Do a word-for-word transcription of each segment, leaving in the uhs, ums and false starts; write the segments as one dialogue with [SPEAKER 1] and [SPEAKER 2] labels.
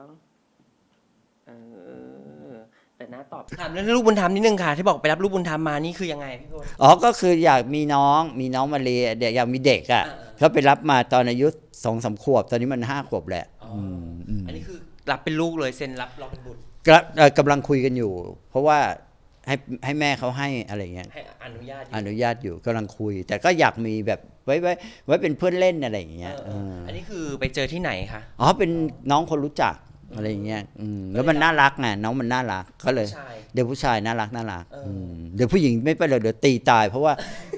[SPEAKER 1] เออแต่น้าตอบถามเรื่องลูกบุญธรรมนิดนึงค่ะที่บอกไปรับลูกบุญธรรมมานี่คือยังไงพี่พล
[SPEAKER 2] อ๋อก็คืออยากมีน้องมีน้องมาเรียเด็กอยากมีเด็กอ่ะเขาไปรับมาตอนอายุสองสามขวบตอนนี้มันห้าขวบแหละ
[SPEAKER 1] อันนี้คือรับเป็นลูกเลยเซ็นรับเราเป็นบุตร
[SPEAKER 2] กำลังคุยกันอยู่เพราะว่าให้ให้แม่เขาให้อะไรเงี้ย
[SPEAKER 1] ให้อนุญาต
[SPEAKER 2] อนุญาตอยู่กำลังคุยแต่ก็อยากมีแบบไว้ไว้ไว้เป็นเพื่อนเล่นอะไรอย่างเงี้ย
[SPEAKER 1] อันนี้คือไปเจอที่ไหนคะ
[SPEAKER 2] อ๋อเป็นน้องคนรู้จักอะไรอย่างเงี้ยแล้วมันน่ารักไงน้องมันน่ารักก็เลยเดี๋ยวผู้ชายน่ารักน่ารักเดี๋ยวผู้หญิงไม่ไปเลยเดี๋ยวตีตายเพราะว่า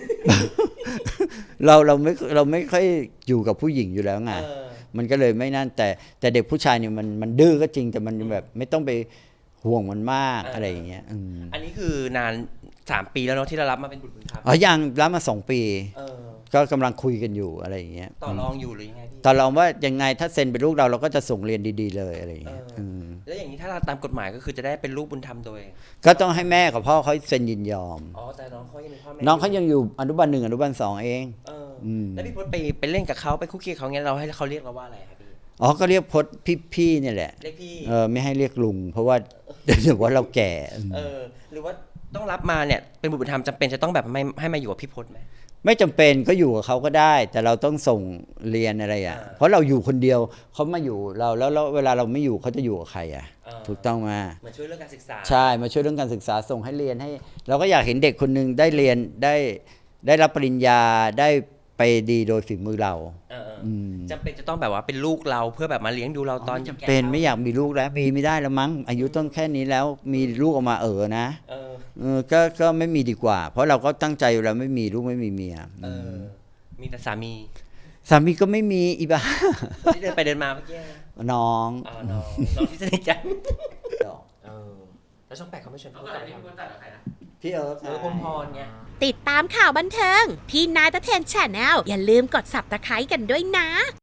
[SPEAKER 2] เราเราไม่เราไม่ค่อยอยู่กับผู้หญิงอยู่แล้วไงมันก็เลยไม่นั่นแต่แต่เด็กผู้ชายเนี่ยมันมันดื้อก็จริงแต่มันแบบไม่ต้องไปห่วงมันมากอะไรอย่างเงี้ย
[SPEAKER 1] อันนี้คือนานสามปีแล้วเนาะที่เรารับมาเป็นบุตรบุญธรรม
[SPEAKER 2] อ๋อยังรับมาสองปีก็กำลังคุยกันอยู่อะไรอย่างเงี้ย
[SPEAKER 1] ต่อรองอยู่หรือยังไงพี่
[SPEAKER 2] ต่อรองว่ายังไงถ้าเซ็นเป็นลูกเราเราก็จะส่งเรียนดีๆเลยอะไรอย่างเงี้ย
[SPEAKER 1] แล้วอย่างนี้ถ้าเราตามกฎหมายก็คือจะได้เป็นลูกบุญธรรมโดย
[SPEAKER 2] ก็ต้องให้แม่กับพ่อเขาเซ็นยินยอม
[SPEAKER 1] อ๋อแต่น้องเขายังมีพ่อแม่
[SPEAKER 2] น้องเขายังอยู่อนุบาลหนึ่งอนุบาลสองเอง
[SPEAKER 1] แล้วพี่พจน์ไปไปเล่นกับเขาไปคุกคีเขาเงี้ยเราให้เขาเรียกเราว่าอะไรครับพี่
[SPEAKER 2] อ๋อก็เรียกพจน์พี่ๆเนี่ยแหละ
[SPEAKER 1] เรียกพี่
[SPEAKER 2] เออไม่ให้เรียกลุงเพราะว่าเดี๋ยวว่าเราแก่
[SPEAKER 1] เออหรือว่าต้องรับมาเนี่ยเป็นบุตรบุญธรรมจำเป็นจะต้องแบบไม่ให้มาอยู่กับพี่พจน์ไหม
[SPEAKER 2] ไม่จำเป็นก็อยู่กับเขาก็ได้แต่เราต้องส่งเรียนอะไรอ่ะเพราะเราอยู่คนเดียวเขามาอยู่เราแล้วแล้วเวลาเราไม่อยู่เขาจะอยู่กับใครอ่ะถูกต้องมา
[SPEAKER 1] มาช่วยเรื่องการศึกษา
[SPEAKER 2] ใช่มาช่วยเรื่องการศึกษาส่งให้เรียนให้เราก็อยากเห็นเด็กคนนึงได้เรียนได้ได้รับปริญญาได้ไปดีโดยฝีมือเรา
[SPEAKER 1] จำเป็นจะต้องแบบว่าเป็นลูกเราเพื่อแบบมาเลี้ยงดูเราตอน
[SPEAKER 2] จำเป็นไม่อยากมีลูกแล้วมีไม่ได้แล้วมั้งอายุต้นแค่นี้แล้วมีลูกออกมาเออนะเออก็ก็ไม่มีดีกว่าเพราะเราก็ตั้งใจอยู่แล้วไม่มีลูกไม่มีเมีย
[SPEAKER 1] เออมีแต่สามี
[SPEAKER 2] สามีก็ไม่มีอีบ้า
[SPEAKER 1] ที่เดินไปเดินมาเมื่อกี้
[SPEAKER 2] น้อง
[SPEAKER 1] อ๋อน้องน้องที่สนิทกันเออแล้วช่องแปดเขาไม่ชวนพี่พูดอะไรนะ
[SPEAKER 2] พี่เอิร์ธ
[SPEAKER 1] เออพรหมพรไง
[SPEAKER 3] ติดตามข่าวบันเทิงพี่นายตะเทนแชนแนลอย่าลืมกด ซับสไครบ์ กันด้วยนะ